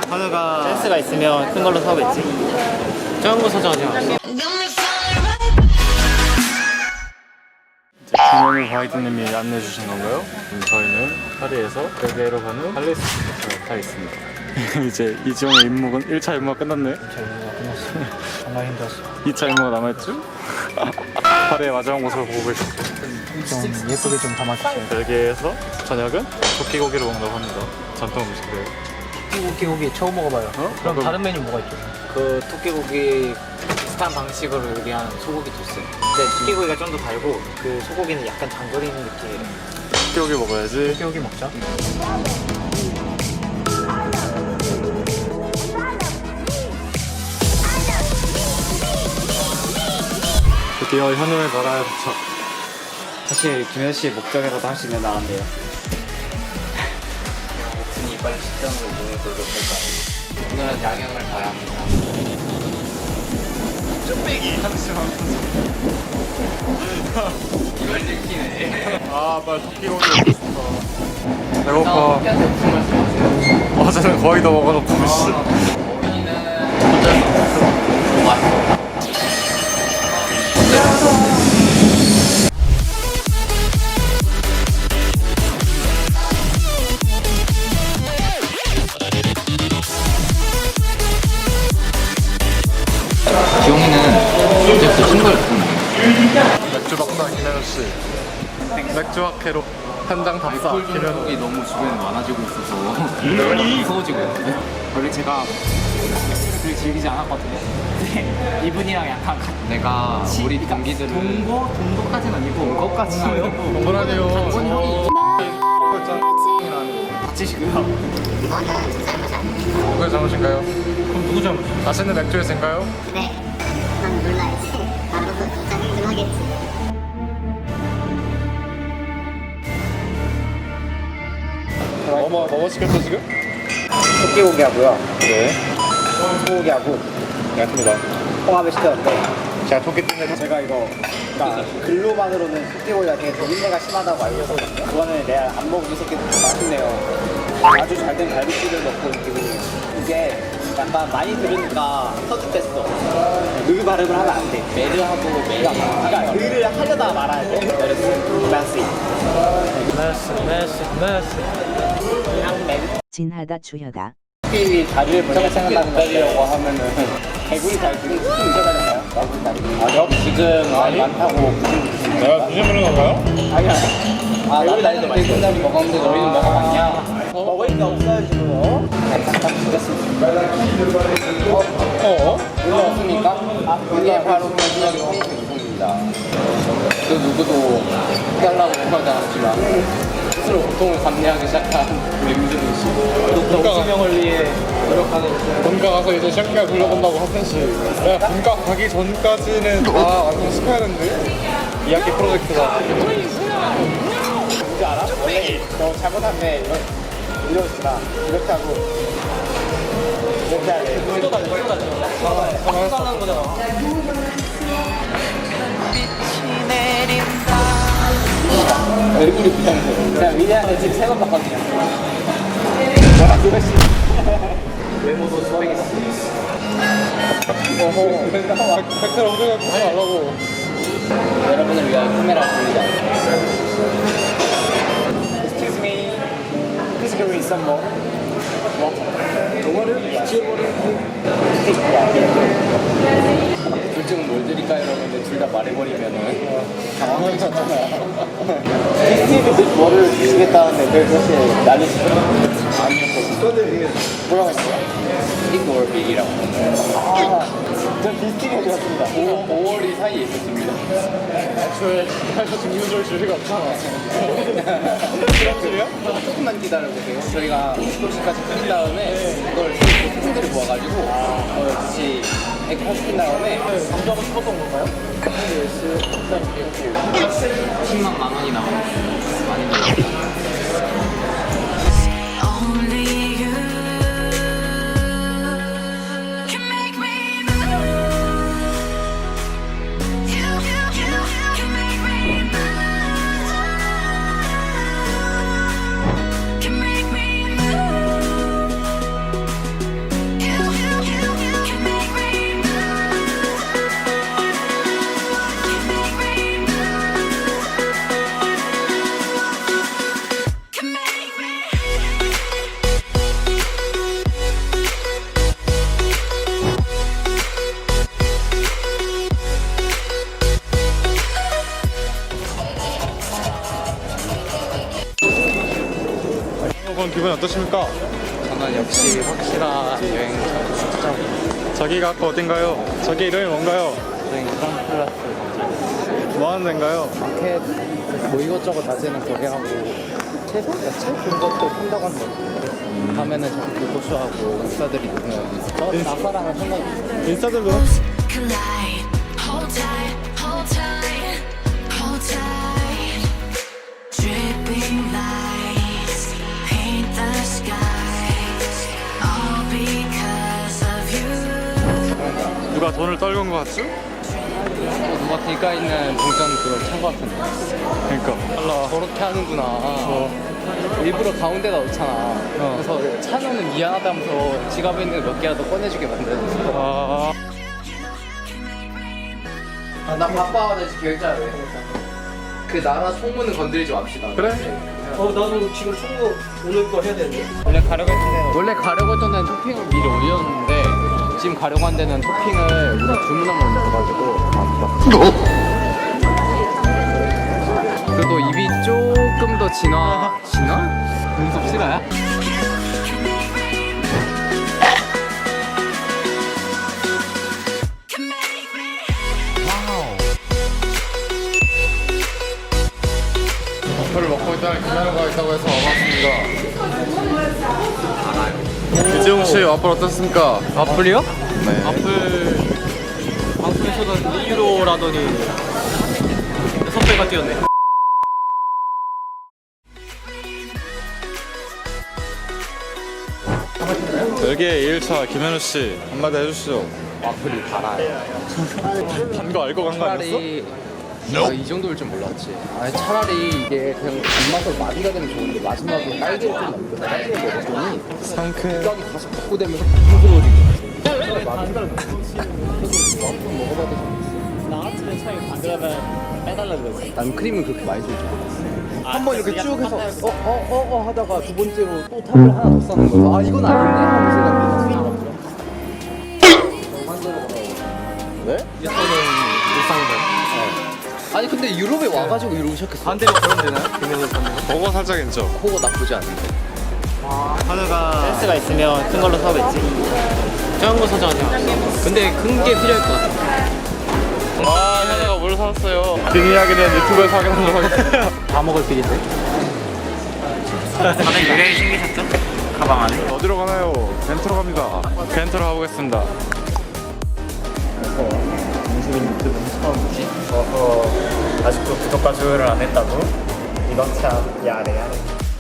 현우가 센스가 있으면 큰 걸로 사오겠지. 작은 거 사자 하지 않았어? 김현우 가이드님이 안내해 주신 건가요? 저희는 파리에서 벨기에로 가는 할리스를 타겠습니다. 이제 이지용의 임무는 1차 임무가 끝났네. 1차 임무가 끝났어. 정말 힘들었어. 2차 임무가 남아있죠? 파리의 마지막 모습을 보고 계시죠? 좀 예쁘게 좀 담아주세요. 벨기에에서 저녁은 토끼고기를 먹는다고 합니다. 전통 음식이래요. 토끼고기 처음 먹어봐요. 그럼 다른 메뉴 뭐가 있죠? 그 토끼고기 비슷한 방식으로 요리한 소고기 토스. 근데 토끼고기가 좀 더 달고 그 소고기는 약간 장거리는 느낌이래. 토끼고기 먹어야지. 토끼고기 먹자. 드디어 현우의 나라에 도착. 사실 김현 씨의 목적이라도 할 수 있는 나라인데요. 목숨이 빨리 식당으로 이동해 보도록 할까요? 오늘은 야경을 봐야 합니다. 쭈빼기! 잠시만. 이걸 들키네. 아, 빨리 토끼고기 먹고 싶다. 배고파. 어제는 거의 다 먹어놓고 씨. 어린이는 어쩔 수 없어. 맛있어. 지용이는 이제부터 신고를 듣는 맥주 박사 김현우씨, 맥주 학회로 현장 답사 김현우. 이 너무 주변에 많아지고 있어서 무서워지고 있는데 원래 제가 그렇게 즐기지 않았거든요. 근데 이분이랑 약간 내가 우리 동기들을 동거까지는 아니고 동거까지는 동거라니요. 단군 형이 박지시고요. 누구의 잘못인가요? 그럼 누구 잘못? 맛있는 맥주였을까요? 네, 난 몰라야지. 나로서 진짜 흥분하겠지. 뭐 시켰어 지금? 토끼고기하고요. 네. 소고기하고. 알겠습니다. 홍합을 시켰는데 제가 토끼 때문에 제가 이거 그러니까 글로만으로는 토끼고기가 되게 비린내가 심하다고 알고 있었거든요. 그거는 내가 안 먹은 이 새끼 맛있네요. 아주 잘 된 갈비찜을 먹고 이게 약간 많이 들으니까 터득됐어. 르 발음을 하면 안 돼. 메르하고 메르. 그러니까 르를 하려다 말아야 돼. 메스. 진하다 주여다. 토끼 다리를 먼저 생각하려고 하면은 개구리 다리 지금 스킨 잊어가잖아요. 나구리 다리. 아니요. 지금 많이 많다고. 내가 뒤집는 건가요? 아니야. 개구리 다리도 맛있어. 개구리 다리 먹었는데 너희는 먹어봤냐? 먹으니까 없어요 지금. 잠깐 주겠습니다. 올라왔습니까? 이게 바로 마지막에 페이스 유통입니다. 그 누구도 해달라고 하지 않았지만 스스로 고통을 감내하기 시작한 우리 민준이 씨. 본가 수명을 위해 노력하는. 본가 가서 이제 샹키가 불러본다고 하듯이 야 본가 가기 전까지는 다 완전 스카이랜드 2학기 프로젝트다. 뭔지 알아? 원래 너 잘못하면 이러지 마. 이렇게 하고 이렇게 해야 돼. 쏟아가는 거잖아. 얼굴이 부장해. 제가 위대한테 지금 3번 봤거든요. 외모도 수백이지. 백설 엉덩이가 보지 말라고. 여러분을 위하여 카메라를 돌리자. Excuse me. Please give me some more. 동화를 지워버리고. 둘 중은 뭘 드릴까요? 여러분들 둘 다 말해버리면은 당황하잖아요. 디스티브 뭐를 주시겠다는데 왜 그렇게 난리치죠? 아니었거든요. 뭐라고 했어요? 스틱볼 빅이라고. 전 디스티브 해주었습니다. 5월이 사이에 있었습니다. 애초에 사실 증류줄 줄이 없잖아. 그런 줄이요? 조금만 기다려보세요. 저희가 50도씨까지 끓인 다음에 그걸 소금들을 모아가지고 같이 180분 다음에 감자가 싶었던 건가요? 10만 원이 나오는 많이 들어요. 기분 어떠십니까? 저는 역시 확실한 여행 추천하고 저기가 아까 어딘가요? 저기 이름이 뭔가요? 저희 프랑클라스 뭐 하는 데인가요? 마켓 뭐 이것저것 다지는 거래하고 책 그런 것도 판다고 하는 거 같아요. 가면은 저기 교도소하고 인싸들이 있는 저 나사랑은 생각 인싸들도 collide. Hold tight, hold tight, hold tight. Dripping lights paint the skies, all because of you. 누가 돈을 떨군 것 같죠? 누가 길가 있는 동전 그걸 찬거 같은데 그러니까 저렇게 하는구나. 일부러 가운데다 놓잖아. 그래서 차면은 미안하다면서 지갑에 있는 몇 개라도 꺼내주게 만드는. 나 바빠. 나 지금 계획 짜야 돼. 그 나라 총무는 건드리지 맙시다. 그래? 나도 지금 총무 오늘 거 해야 되는데. 원래 가려고 했던 데는 토핑을 미리 올렸는데 지금 가려고 한 데는 토핑을 우리가 주문한 걸 넣어가지고 그래도 입이 조금 더 진화? 눈썹 실화야? 어플을 먹고 있다는 김현우가 있다고 해서 와봤습니다. 이재용씨 어플 어떻습니까? 와플이요? 네. 와플 방송에서는 2유로라더니 6배가 뛰었네. 별개의 2일차 김현우씨 한마디 해주시죠. 와플이 달아요. 단 거 알고 간 거 아니었어? 차라리 내가 이 정도일 줄 몰랐지. 아니 차라리 이게 그냥 단맛으로 마비가 되면 좋은데 마지막으로 딸기를 좀 넣고 딸기를 먹었더니 상쾌. 뚜껑이 다시 복구되면서 부드러워지고 차라리 마비를 먹어봐도 나 같으면 차라리 반대하면 빼달라 그랬어. 난 크림을 그렇게 많이 주지 한 번 이렇게 네가 쭉 해서 똑같다 하다가 두 번째로 또 탑을 하나 더 싸는 거야. 아 이건 아닌데 하면서 생각해. 네? 이거는 일상이다. 아니 근데 유럽에 와가지고 이러고 시작했어. 반대로 그럼 되나요? 금연을 받는 그거 살짝 인정. 코가 나쁘지 않은데. 센스가 있으면 큰 걸로 사오겠지. 작은 거 사자. 근데 큰 게 필요할 것 같아. 와, 현우가 뭘 샀어요? 긴 이야기는 유튜브에서 확인하도록 하겠습니다. 다 먹을 필인데. 다들 유래를 챙기셨죠? 가방 안에. 어디로 가나요? 벤트로 갑니다. 벤트로 가보겠습니다. 민수민 유튜브는 처음이지? 아직도 구독과 좋아요를 안 했다고? 이건 참 야래.